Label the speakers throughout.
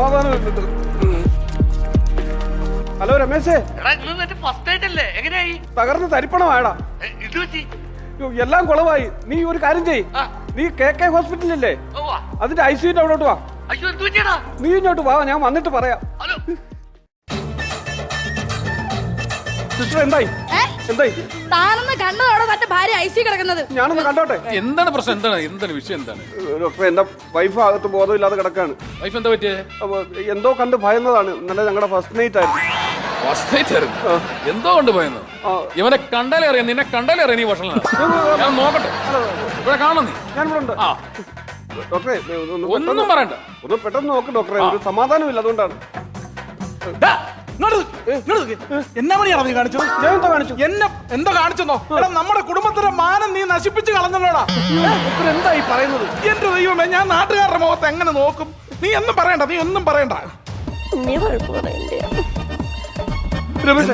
Speaker 1: സമാധാനമില്ലത്. Hello രമേശേ, തകർന്ന് തരിപ്പണമായടാ. എല്ലാം കുളമായി. നീ ഒരു കാര്യം ചെയ്യ്, നീ KK ഹോസ്പിറ്റലില്ലേ, അതിന്റെ ICUന്റെ അവിടോട്ട് വാ. നീ ഇങ്ങോട്ട് വാ, ഞാൻ വന്നിട്ട് പറയാം. സിസ്റ്റർ എന്തായി? എന്തായി?
Speaker 2: താനൊന്ന് കണ്ടതോടെ തന്റെ ഭാര്യ ICU കിടക്കുന്നത്.
Speaker 1: ഞാനൊന്ന് കണ്ടോട്ടെ.
Speaker 3: എന്താണ് പ്രശ്നം? എന്താണ് വിഷയം? എന്താണ്
Speaker 1: ഡോക്ടറെ, എന്റെ വൈഫ് അകത്ത് ബോധമില്ലാതെ കിടക്കാണ്.
Speaker 3: വൈഫ് എന്താ പറ്റിയേ?
Speaker 1: എന്തോ കണ്ട് ഭയന്നതാണ്. ഇന്നലെ ഞങ്ങളുടെ ഫസ്റ്റ് നൈറ്റ് ആയിരുന്നു.
Speaker 3: എന്തോ കൊണ്ട് ഭയന്നു? ഇവനെ കണ്ടാലേ അറിയാം, നിന്നെ കണ്ടാലേ അറിയാം നീ വഷളനാ. ഞാൻ നോക്കട്ടെ, ഇവിടെ കാണണം നീ.
Speaker 1: ഞാനിവിടെ ഉണ്ട്. ഡോക്ടറെ
Speaker 3: ഒന്നും പറയണ്ട,
Speaker 1: ഒന്ന് പെട്ടെന്ന് നോക്ക് ഡോക്ടറെ, ഒരു സമാധാനമില്ല, അതുകൊണ്ടാണ്.
Speaker 4: എന്നാ മണിയാണ് നീ കാണിച്ചത്?
Speaker 1: ഞാൻ എന്താ കാണിച്ചു?
Speaker 4: എന്നെ എന്താ കാണിച്ചെന്നോ? എടാ, നമ്മുടെ കുടുംബത്തിന്റെ മാനം നീ നശിപ്പിച്ച് കളഞ്ഞല്ലോടാ.
Speaker 1: എന്താ ഈ പറയുന്നത്?
Speaker 4: എന്റെ ദൈവമേ, ഞാൻ നാട്ടുകാരുടെ മുഖത്ത് എങ്ങനെ നോക്കും? നീ ഒന്നും പറയണ്ട, നീ ഒന്നും പറയണ്ട.
Speaker 1: രമേശേ,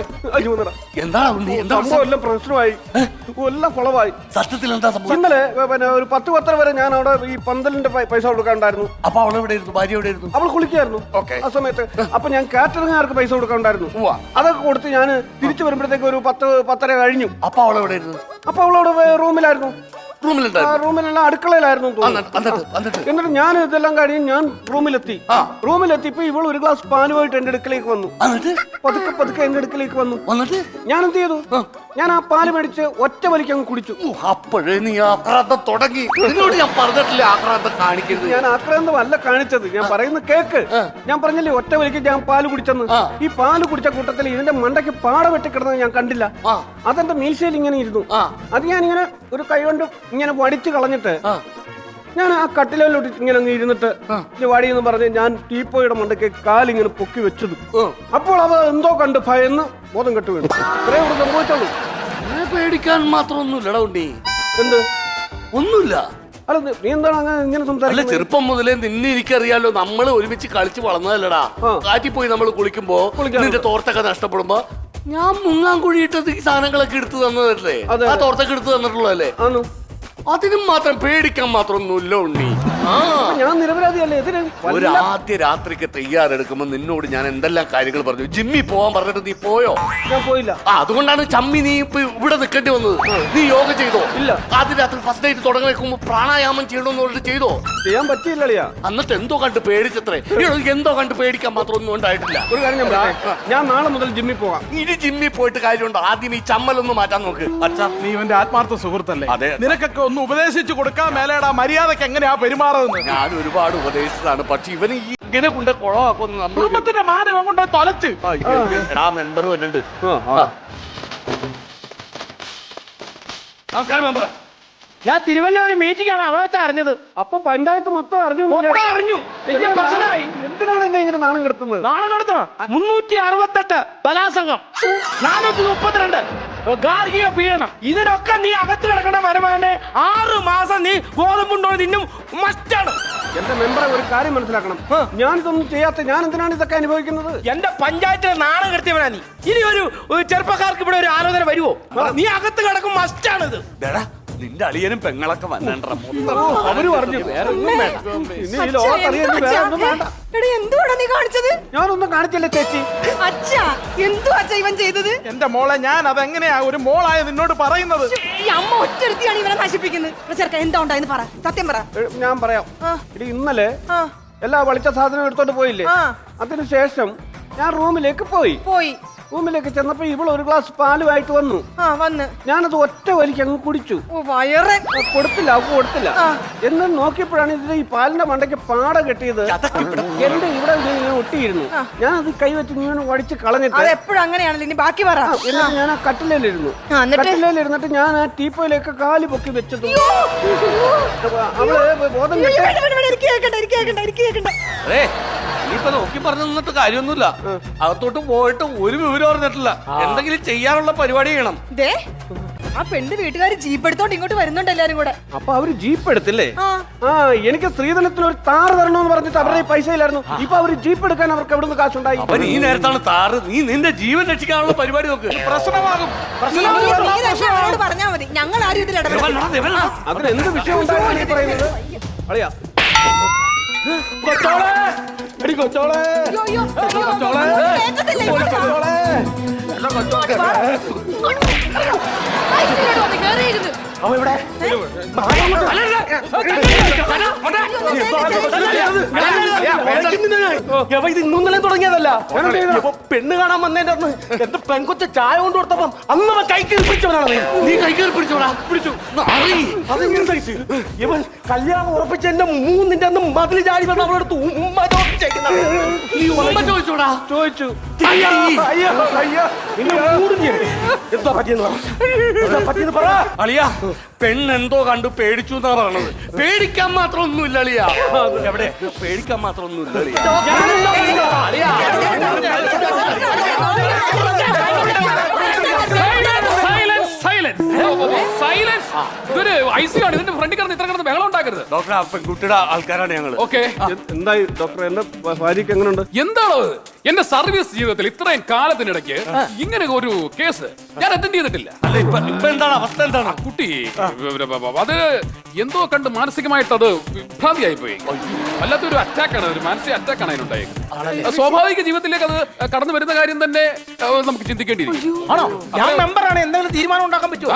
Speaker 4: എന്താണ്
Speaker 1: എല്ലാം പ്രശ്നമായി, എല്ലാം കുളമായി.
Speaker 4: സത്യത്തിൽ എന്താ സംഭവം?
Speaker 1: ഇന്നലെ പിന്നെ ഒരു 10-10 വരെ ഞാൻ അവിടെ ഈ പന്തലിന്റെ പൈസ കൊടുക്കാണ്ടായിരുന്നു.
Speaker 4: അപ്പൊ അവൾ എവിടെ ഇരുന്നു? ഭാര്യ എവിടെ ഇരുന്നു?
Speaker 1: അവൾ കുളിക്കായിരുന്നു ആ സമയത്ത്. അപ്പൊ ഞാൻ കാറ്ററിംഗുകാർക്ക് പൈസ കൊടുക്കാണ്ടായിരുന്നു. അതൊക്കെ കൊടുത്ത് ഞാൻ തിരിച്ചു വരുമ്പോഴത്തേക്ക് ഒരു 10-10:30 കഴിഞ്ഞു.
Speaker 4: അപ്പൊ അവൾ എവിടെ ഇരുന്നു?
Speaker 1: അപ്പൊ അവളവിടെ റൂമിലായിരുന്നു. റൂമിലെല്ലാം അടുക്കളയിലായിരുന്നു. എന്നിട്ട് ഞാൻ ഇതെല്ലാം കഴിഞ്ഞ് ഞാൻ റൂമിലെത്തിയപ്പോ ഇവൾ ഒരു ഗ്ലാസ് പാലുമായിട്ട് എന്റെ അടുക്കലേക്ക് വന്നു. പതുക്കെ എന്റെ അടുക്കലേക്ക് വന്നു. ഞാൻ എന്ത് ചെയ്തു? ഞാൻ ആ പാല് മേടിച്ച് ഒറ്റ വലിക്ക് അങ്ങ് കുടിച്ചു.
Speaker 4: അപ്പോഴേ നീ ആക്രാന്തം തുടങ്ങി. നിന്നോട് ഞാൻ പറഞ്ഞിട്ടില്ലേ ആക്രാന്തം കാണിക്കരുത്?
Speaker 1: ഞാൻ ആക്രാന്തമല്ല കാണിച്ചത്, ഞാൻ പറയുന്ന കേക്ക്. ഞാൻ പറഞ്ഞില്ലേ ഒറ്റ വലിക്ക് ഞാൻ പാല് കുടിച്ചെന്ന്. ഈ പാല് കുടിച്ച കൂട്ടത്തിൽ ഇതിന്റെ മണ്ടയ്ക്ക് പാട വെട്ടിക്കിടന്നത് ഞാൻ കണ്ടില്ല. അതെന്റെ മീശയിൽ ഇങ്ങനെ ഇരുന്നു. അത് ഞാൻ ഇങ്ങനെ ഒരു കൈ കൊണ്ട് ഇങ്ങനെ വടിച്ചു കളഞ്ഞിട്ട് ഞാൻ ആ കട്ടിലോട്ട് ഇങ്ങനെ അങ്ങ് ഇരുന്നിട്ട് വടി എന്ന് പറഞ്ഞ് ഞാൻ ടീപ്പോയുടെ മണ്ടയ്ക്ക് കാലിങ്ങനെ പൊക്കി വെച്ചത്. അപ്പോൾ അവ എന്തോ കണ്ട് ഭയന്ന് ബോധം കെട്ടു വീണു. ഇത്രേ ഇവിടെ സംഭവിച്ചുള്ളൂ.
Speaker 4: പേടിക്കാൻ മാത്രമൊന്നുമില്ലടാ ഉണ്ണി.
Speaker 1: എന്ത്?
Speaker 4: ഒന്നുമില്ല.
Speaker 1: അല്ല, നീ എന്താണ് അങ്ങനെ ഇങ്ങനെ സംസാരിക്കുന്നത്?
Speaker 4: ചെറുപ്പം മുതലേ നിന്നെ എനിക്കറിയാലോ, നമ്മൾ ഒരുമിച്ച് കളിച്ച് വളർന്നതല്ലടാ. കാറ്റിൽ പോയി നമ്മൾ കുളിക്കുമ്പോ നിന്റെ തോർത്തൊക്കെ നഷ്ടപ്പെടുമ്പോ ഞാൻ മുങ്ങാൻ കുഴിയിട്ടത് ഈ സാധനങ്ങളൊക്കെ എടുത്തു തന്നതല്ലേ? ആ തോർത്തൊക്കെ എടുത്തു തന്നിട്ടുള്ളതല്ലേ? അതിനും മാത്രം പേടിക്കാൻ മാത്രമൊന്നുമില്ല ഉണ്ണി.
Speaker 1: ഞാൻ നിരപരാധിയല്ലേ?
Speaker 4: ഒരു ആദ്യ രാത്രിക്ക് തയ്യാറെടുക്കുമ്പോ നിന്നോട് ഞാൻ എന്തെല്ലാം കാര്യങ്ങൾ പറഞ്ഞു. ജിമ്മി പോവാൻ പറഞ്ഞിട്ട് നീ പോയോ?
Speaker 1: ഞാൻ പോയില്ല.
Speaker 4: അതുകൊണ്ടാണ് ചമ്മി നീ ഇപ്പൊ ഇവിടെ നിൽക്കേണ്ടി വന്നത്. നീ യോഗ ചെയ്തോ?
Speaker 1: ഇല്ല.
Speaker 4: ആദ്യ രാത്രി ഫസ്റ്റ് നൈറ്റ് തുടങ്ങി വെക്കുമ്പോ പ്രാണായാമം ചെയ്യണമെന്ന് പറഞ്ഞിട്ട് ചെയ്തോ?
Speaker 1: ചെയ്യാൻ പറ്റിയില്ലളിയാ.
Speaker 4: എന്നിട്ട് എന്തോ കണ്ട് പേടിച്ചത്രേ? എന്തോ കണ്ട് പേടിക്കാൻ മാത്രമൊന്നും ഉണ്ടായിട്ടില്ല.
Speaker 1: ഒരു കാര്യം ഞാൻ നാളെ മുതൽ ജിമ്മിൽ പോകാം.
Speaker 4: ഇനി ജിമ്മിൽ പോയിട്ട് കാര്യമുണ്ടോ? ആദ്യം ഈ ചമ്മലൊന്ന് മാറ്റാൻ നോക്ക്.
Speaker 5: അച്ഛാ, നീ ഇവന്റെ ആത്മാർത്ഥ സുഹൃത്തല്ലേ?
Speaker 4: അതെ.
Speaker 5: നിനക്കൊക്കെ ഒന്ന് ഉപദേശിച്ചു കൊടുക്കാൻ മേലേടാ മര്യാദക്ക് എങ്ങനെയാ പെരുമാറുന്നത്?
Speaker 4: ഞാൻ ഒരുപാട് ഉപദേശിച്ചതാണ്, പക്ഷെ ഇവന് ഇങ്ങനെ കൊണ്ട് കുളമാക്കുന്നു.
Speaker 5: കുടുംബത്തിന്റെ മാനം കൊണ്ട് തൊലച്ച്
Speaker 4: മെമ്പർ വരുന്നുണ്ട്. നമസ്കാരം മെമ്പർ.
Speaker 1: ഞാൻ തിരുവല്ല മീറ്റിംഗ് ആണ് അവത്തെ അറിഞ്ഞത്. അപ്പൊ പഞ്ചായത്ത് മൊത്തം അറിഞ്ഞു. എന്തിനാണ് എന്നെ ഇങ്ങനെ നാണം കിടത്തുന്നത്?
Speaker 5: നാണം കടത്തണം. 368 ബലാത്സംഗം, 432 ഗാർഹിക പീഡനം, ഇതിനൊക്കെ നീ അകത്ത് കിടക്കണ വരുമാനെ 6 മാസം നീ ഗോതമ്പുണ്ടോ നിന്നും മസ്റ്റാണ്.
Speaker 1: എന്റെ മെമ്പറെ ഒരു കാര്യം മനസ്സിലാക്കണം. ഞാൻ ഇതൊന്നും ചെയ്യാത്ത ഞാൻ എന്തിനാണ് ഇതൊക്കെ അനുഭവിക്കുന്നത്?
Speaker 5: എന്റെ പഞ്ചായത്തിലെ നാണം കെടുത്തിയവനാ നീ. ഇനി ഒരു ചെറുപ്പക്കാർക്ക് ഇവിടെ ഒരു ആലോചന വരുവോ? നീ അകത്ത് കിടക്കും, മസ്റ്റാണിത്.
Speaker 4: നിന്റെ അളിയനും പെങ്ങളൊക്കെ വന്നണ്ട.
Speaker 1: അവര് പറഞ്ഞു വേറെ ഒന്നും വേണ്ട. ഇനി ഈ ലോകത്തറിയാൻ വേറെ ഒന്നും വേണ്ട.
Speaker 2: എന്തുവാടാ നീ കാണിച്ചത്?
Speaker 1: ഞാനൊന്നും കാണിച്ചില്ല ചേച്ചി.
Speaker 2: അച്ഛാ, എന്തുവാ അച്ഛാ ഇവൻ ചെയ്തത്?
Speaker 5: എന്റെ മോളെ, ഞാൻ അതെങ്ങനെയാ ഒരു മോളായ നിന്നോട് പറയുന്നത്?
Speaker 2: ഈ അമ്മ ഒറ്റരുത്തിയാണ് ഇവനെ നശിപ്പിക്കുന്നത്. ചെറുക്ക എന്താ ഉണ്ടായെന്ന് പറ, സത്യം പറ.
Speaker 1: ഞാൻ പറയാം. ഇന്നലെ എല്ലാ വളിച്ച സാധനം എടുത്തോണ്ട് പോയില്ലേ? അതിനുശേഷം ഞാൻ റൂമിലേക്ക് പോയി. റൂമിലേക്ക് ചെന്നപ്പോ ഇവൾ ഒരു ഗ്ലാസ് പാലുമായിട്ട് വന്നു. ഞാനത് ഒറ്റ വലിക്ക് അങ്ങ് കുടിച്ചു. കൊടുത്തില്ല. എന്ന് നോക്കിയപ്പോഴാണ് ഇതിൽ ഈ പാലിന്റെ മണ്ടയ്ക്ക് പാട കെട്ടിയത്. എന്റെ ഇവിടെ ഒട്ടിയിരുന്നു. ഞാൻ അത് കൈവച്ച് ഇങ്ങനെ വടിച്ച് കളഞ്ഞിട്ട് എന്നിട്ട് ഞാൻ ആ കട്ടിലേലിരുന്നിട്ട് ഞാൻ ആ ടീപ്പോയിലേക്ക് കാല് പൊക്കി വെച്ചത്. അവള് ബോധം
Speaker 4: ഇപ്പൊ നോക്കി പറഞ്ഞു നിന്നിട്ട് കാര്യമൊന്നുമില്ല. അകത്തോട്ട് പോയിട്ട് ഒരു വിവരം അറിഞ്ഞിട്ടില്ല. എന്തെങ്കിലും ചെയ്യാനുള്ള പരിപാടി ചെയ്യണം.
Speaker 2: ആ പെണ്ണ് വീട്ടുകാർ ജീപ്പ് എടുത്തോണ്ട് ഇങ്ങോട്ട് വരുന്നുണ്ട് എല്ലാരും കൂടെ.
Speaker 1: അപ്പൊ അവര് ജീപ്പ് എടുത്തില്ലേ? എനിക്ക് സ്ത്രീധനത്തിന് ഒരു താറ് തരണമെന്ന് പറഞ്ഞിട്ട് അവരുടെ പൈസ ഇല്ലായിരുന്നു. ഇപ്പൊ അവര് ജീപ്പ് എടുക്കാൻ അവർക്ക് എവിടുന്ന് കാശുണ്ടായി?
Speaker 4: അപ്പൊ നീ നേരത്താണ് താറ്. നീ നിന്റെ ജീവൻ രക്ഷിക്കാനുള്ള പരിപാടി നോക്ക്. പ്രശ്നമാകും.
Speaker 2: പറഞ്ഞാ മതി, ഞങ്ങൾ ആരും ഇതിൽ
Speaker 1: അതിനെന്ത് വിഷയം ഉണ്ടായിരുന്നു പറയുന്നത്? അളിയാ, കൊച്ചോളെ
Speaker 2: അയ്യോ, അയ്യോ, അയ്യോ, കേൾക്കത്തില്ല, ഇങ്ങോട്ട് വാ. ഐസിയിലോട്ട് വന്ന് കേറിയിരുന്നു.
Speaker 5: അവൻ ഇവിടെ ഇത് ഇന്നൊന്നും തുടങ്ങിയതല്ല. ഇപ്പൊ പെണ്ണ് കാണാൻ വന്നതിന്റെ അന്ന് എന്റെ പെൺകൊച്ച ചായ കൊണ്ട് കൊടുത്തപ്പം അന്ന് അവൻ കൈ കയറി പിടിച്ചവനാണ്.
Speaker 4: നീ കൈ കയറി പിടിച്ചോടാ.
Speaker 5: പിടിച്ചു. അതെങ്ങനെ സൈസ്? ഇവൻ കല്യാണം ഉറപ്പിച്ച എന്റെ മൂന്നിന്റെ അന്ന് മതിൽ ചാടി വന്ന് അവളെടുത്ത് ഉമ്മ ചോദിച്ചേക്കുന്നത്.
Speaker 4: നീ ഉമ്മ ചോദിച്ചോടാ.
Speaker 1: ചോദിച്ചു.
Speaker 5: അയ്യോ അയ്യോ നിന്നെ മൂടിഞ്ഞ് എന്താ പറ്റിയെന്ന് പറ.
Speaker 4: അളിയാ പെണ്ണെന്തോ കണ്ടു പേടിച്ചു എന്നാ പറഞ്ഞത്. പേടിക്കാൻ മാത്രം ഒന്നുമില്ല അളിയാ. എവിടെ പേടിക്കാൻ മാത്രം ഒന്നുമില്ല അളിയാ.
Speaker 3: ഇതൊരു ഐസിയാണ്. ഇതിന്റെ ഫ്രണ്ടിൽ കിടന്ന് ഇത്ര കിടന്ന് ബഹളം ഉണ്ടാക്കരുത്.
Speaker 4: ഡോക്ടർ പെൺകുട്ടിയുടെ ആൾക്കാരാണ് ഞങ്ങള്.
Speaker 3: ഓക്കെ,
Speaker 1: എന്തായി ഡോക്ടർ? എന്റെ ഭാര്യക്ക് എങ്ങനെയുണ്ട്?
Speaker 3: എന്താണോ ഇത്? എന്റെ സർവീസ് ജീവിതത്തിൽ ഇത്രയും കാലത്തിനിടയ്ക്ക് ഇങ്ങനെ ഒരു കേസ് ഞാൻ അറ്റൻഡ് ചെയ്തിട്ടില്ല.
Speaker 4: അല്ല ഇപ്പൊ എന്താണ് അവസ്ഥ? എന്താണ്
Speaker 3: കുട്ടി അത് എന്തോ കണ്ട് മാനസികമായിട്ട് അത് വിഭ്രാന്തിയായി പോയി. വല്ലാത്തൊരു അറ്റാക്കാണ്, ഒരു മാനസിക അറ്റാക്കാണ് അതിനുണ്ടായത്. സ്വാഭാവിക ജീവിതത്തിലേക്ക് അത് കടന്നു വരുന്ന കാര്യം തന്നെ നമുക്ക് ചിന്തിക്കേണ്ടിയിരിക്കും.
Speaker 5: ആണോ? ഞാൻ മെമ്പറാണ്. എന്തെങ്കിലും തീരുമാനം ഉണ്ടാക്കാൻ പറ്റുമോ?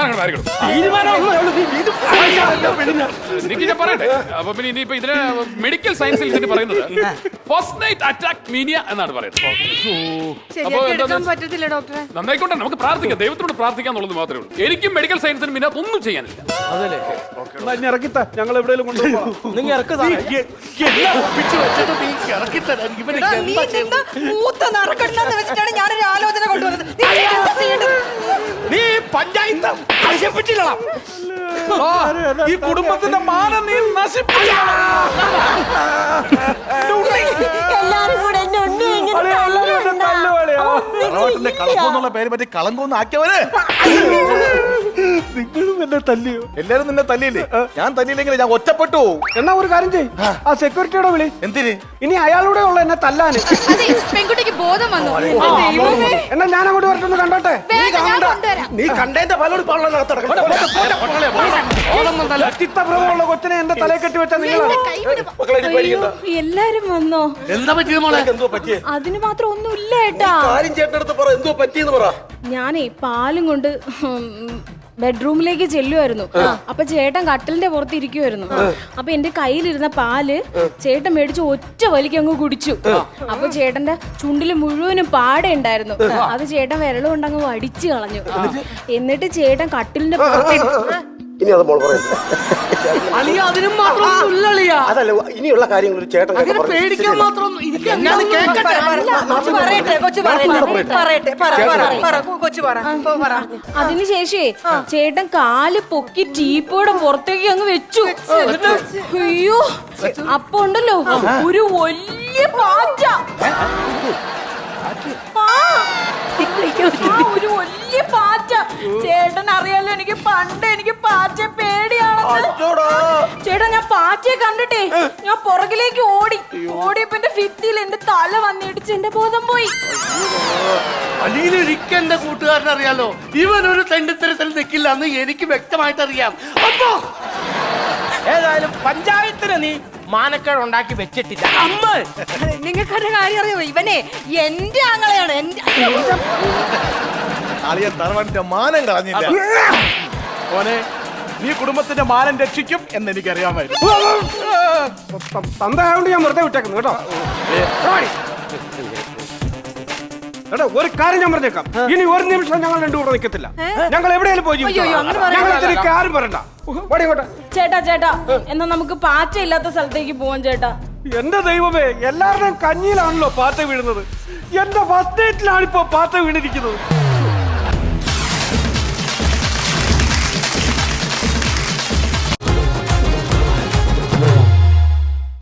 Speaker 3: എനിക്ക് ഞാൻ പറയട്ടെ. അപ്പൊ പിന്നെ ഇനിയിപ്പോ ഇതിന് മെഡിക്കൽ സയൻസിൽ ഇതിന് പറയുന്നത് ഫസ്റ്റ് നൈറ്റ് അറ്റാക്ക് മീനിയ എന്നാണ് പറയുന്നത്. അപ്പൊ
Speaker 2: പറ്റത്തില്ല ഡോക്ടറെ.
Speaker 3: നന്നായിക്കോട്ടെ, നമുക്ക് പ്രാർത്ഥിക്കാം, ദൈവത്തോട് പ്രാർത്ഥിക്കാം എന്നുള്ളത് മാത്രമേ ഉള്ളൂ. എനിക്കും മെഡിക്കൽ സയൻസിനും പിന്നെ ഒന്നും ചെയ്യാനില്ല.
Speaker 1: ഇനി ഇറക്കിത്താ, ഞങ്ങൾ എവിടെയെങ്കിലും കൊണ്ടുപോകാം.
Speaker 5: നിങ്ങൾ ഇറക്കുക.
Speaker 2: നീ നിന്റെ മൂത്ത നറുക്കെടുത്താന്ന് വെച്ചിട്ടാണ് ഞാനൊരു ആലോചന കൊണ്ടുവന്നത്. നീ എന്താ ചെയ്യേണ്ടത്?
Speaker 5: നീ പഞ്ചായത്ത് നശിപ്പിച്ചില്ല. ഈ കുടുംബത്തിന്റെ മാനം നീ നശിപ്പിച്ചില്ല.
Speaker 2: എല്ലാരും കൂടെ എന്നെ ഉണ്ണി ഇങ്ങനെ
Speaker 6: തറവാട്ടിന്റെ കളപ്പെന്നുള്ള പേര് പറ്റി കളങ്കൊന്ന് ആക്കിയവര്
Speaker 1: നിങ്ങളും എന്നെ തല്ലിയോ?
Speaker 6: എല്ലാരും നിന്നെ തല്ലിയില്ലേ? ഞാൻ തല്ലിയില്ലെങ്കിൽ ഞാൻ ഒറ്റപ്പെട്ടു.
Speaker 1: എന്നാ ഒരു കാര്യം ചെയ്യ്, ആ സെക്യൂരിറ്റിയുടെ വിളി.
Speaker 6: എന്തിന്?
Speaker 1: ഇനി അയാളൂടെ ഉള്ള എന്നെ തല്ലാന്.
Speaker 2: അതെ, പെൺകുട്ടിക്ക് ബോധം വന്നു.
Speaker 1: എന്നാ ഞാൻ അങ്ങോട്ട് വരട്ടൊന്ന് കണ്ടോട്ടെ.
Speaker 5: നീ കണ്ടതിന്റെ പലോട്
Speaker 1: ചിത്തഭ്രമമുള്ള കൊച്ചിനെ എന്റെ തലയെ കെട്ടി വെച്ചാൽ നിങ്ങളാണ്.
Speaker 2: എല്ലാരും വന്നോ?
Speaker 4: എന്താ പറ്റിയത് മോളെ?
Speaker 5: എന്തോ പറ്റിയേ?
Speaker 2: അതിന് മാത്രം ഒന്നുമില്ല ഏട്ടാ.
Speaker 5: കാര്യം ചേട്ടനടുത്ത് പറ. എന്തോ പറ്റിയെന്ന് പറ.
Speaker 2: ഞാനേ പാലും കൊണ്ട് ബെഡ്റൂമിലേക്ക് ചെല്ലുമായിരുന്നു. അപ്പൊ ചേട്ടൻ കട്ടിലിന്റെ പുറത്ത് ഇരിക്കുമായിരുന്നു. അപ്പൊ എന്റെ കയ്യിലിരുന്ന പാല് ചേട്ടൻ മേടിച്ച് ഒറ്റ വലിക്ക് അങ്ങ് കുടിച്ചു. അപ്പൊ ചേട്ടന്റെ ചുണ്ടില് മുഴുവനും പാട ഉണ്ടായിരുന്നു. അത് ചേട്ടൻ വിരൽ കൊണ്ട് അങ്ങ് വടിച്ചു കളഞ്ഞു. എന്നിട്ട് ചേട്ടൻ കട്ടിലിന്റെ പുറത്ത്
Speaker 5: ഇനി അത് മോൾ പറയുന്നത്
Speaker 4: അളിയ അതിനും മാത്രം ഒന്നുമില്ല അളിയ.
Speaker 5: അതല്ല, ഇനിയുള്ള കാര്യങ്ങൾ ഒരു ചേട്ടൻ
Speaker 4: അതിനെ പേടിക്കാൻ മാത്രം
Speaker 2: അതിനുശേഷേ ചേട്ടൻ കാല് പൊക്കി ടീപ്പോടെ പുറത്തേക്ക് അങ്ങ് വെച്ചു. അയ്യോ, അപ്പൊ ഉണ്ടല്ലോ ഒരു വലിയ പാറ്റ. ഒരു വലിയ പാറ്റ. ചേട്ടൻ അറിയാലോ എനിക്ക് പണ്ട് എനിക്ക് പാറ്റ പേടിയാണെന്ന്. ചേട്ടാ, ഞാൻ പാറ്റയെ കണ്ടിട്ടേ ഞാൻ പുറകിലേക്ക് ഓടിയപ്പോ എന്റെ ഭിത്തിയിൽ എന്റെ തല വന്നിടിച്ച് എന്റെ ബോധം പോയി.
Speaker 4: അലിയിലൊരിക്കൽ എന്റെ കൂട്ടുകാരൻ അറിയാലോ, ഇവനൊരു തെണ്ടിത്തരത്തിൽ നിൽക്കില്ല എന്ന് എനിക്ക് വ്യക്തമായിട്ട് അറിയാം. അപ്പൊ
Speaker 5: ഏതായാലും പഞ്ചായത്തിന് നീ മാനക്കേട് ഉണ്ടാക്കി വെച്ചിട്ടില്ല. അമ്മ
Speaker 2: നിങ്ങൾക്കൊരു കാര്യം അറിയോ? ഇവനെ എന്റെ ആങ്ങളെയാണ്.
Speaker 6: അളിയ തറവാട്ടിന്റെ മാനം കളഞ്ഞില്ല. മോനെ, നീ കുടുംബത്തിന്റെ മാനം രക്ഷിക്കും എന്ന് എനിക്കറിയാമായിരുന്നു.
Speaker 1: തന്തയായോണ്ട് ഞാൻ വെറുതെ വിട്ടേക്കുന്നു കേട്ടോ. എടാ, ഒരു കാര്യം ഞാൻ പറഞ്ഞേക്കാം. ഇനി ഒരു നിമിഷം ഞങ്ങൾ രണ്ടു കൂടെ നിൽക്കത്തില്ല. ഞങ്ങൾ എവിടെയാലും പോയി ഞങ്ങൾ ആരും പറയണ്ട.
Speaker 2: ചേട്ടാ എന്നാ നമുക്ക് പാറ്റ ഇല്ലാത്ത സ്ഥലത്തേക്ക് പോവാൻ ചേട്ടാ.
Speaker 1: എന്റെ ദൈവമേ, എല്ലാവരുടെയും കഞ്ഞിയിലാണല്ലോ പാറ്റ വീഴുന്നത്. എന്റെ ഫസ്റ്റ് നൈറ്റിലാണ് ഇപ്പൊ പാറ്റ വീണിരിക്കുന്നത്.